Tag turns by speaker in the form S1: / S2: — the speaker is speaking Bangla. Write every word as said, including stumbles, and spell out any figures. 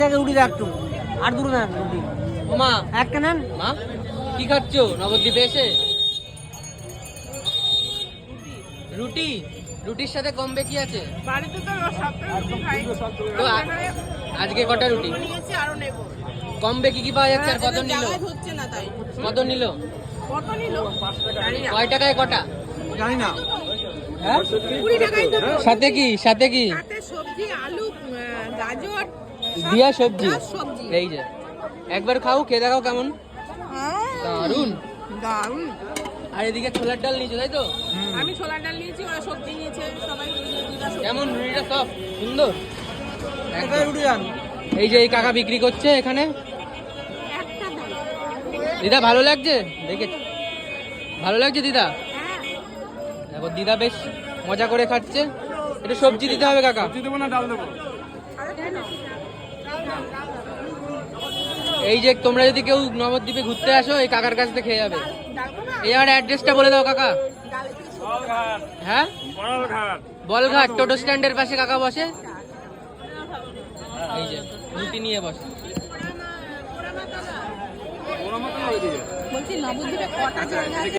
S1: রুটি দেখ একটু আর দুটো দেন রুটি।
S2: মা
S1: একটা নেন।
S2: মা কি খাচ্ছ নবদ্বীপে এসে? রুটি। রুটির সাথে কমবে কি আছে?
S3: বাড়িতে তো সপ্তাহে রুটি খাই।
S2: তো আ- আজকে কটা রুটি
S3: নিয়েছি আরো নেব।
S2: কমবে কি কি পাওয়া যাচ্ছে আর কত নিল?
S3: জায়গায় হচ্ছে না তাই।
S2: কত নিল?
S3: কত নিল? জানি না।
S2: কয় টাকায় কটা?
S1: জানি না।
S2: হ্যাঁ
S3: কুড়ি টাকাই তো।
S2: সাথে কি সাথে কি
S3: সাথে সবজি আলু আহ, গাজর সব
S2: দিয়া সবজি।
S3: plus সবজি।
S2: এই যে একবার খাও খেয়ে দেখাও কেমন
S3: হ্যাঁ,
S2: দারুন।
S3: দারুণ।
S2: আর এদিকে ছোলার ডাল নিয়েছো তাই তো?
S3: আমি ছোলার ডাল নিয়েছি, ওরা সবজি নিয়েছে, সবাই দুইটা সবজি।
S2: কেমন রুটিটা সফট সুন্দর
S1: একটা
S2: একদম।
S1: রুটি দেন।
S2: এই যে এই কাকা বিক্রি করছে এখানে।
S3: একটা দাও।
S2: দিদা ভালো লাগছে দেখে? ভালো লাগছে দিদা?
S3: হ্যাঁ।
S2: দেখো দিদা বেশ মজা করে খাচ্ছে। একটু সবজি দিতে হবে কাকা।
S1: দেবো না ডাল দেবো?
S2: এই যে তোমরা যদি কেউ নবদ্বীপে ঘুরতে আসো এই কাকার কাছ থেকে খেয়ে যাবে। এই আর অ্যাড্রেসটা বলে দাও কাকা। হ্যাঁ বলঘাট টোটো স্ট্যান্ডের পাশে কাকা বসে। এই যে রুটি নিয়ে বসে।
S3: বলছি নবদ্বীপে কটা জায়গা আছে?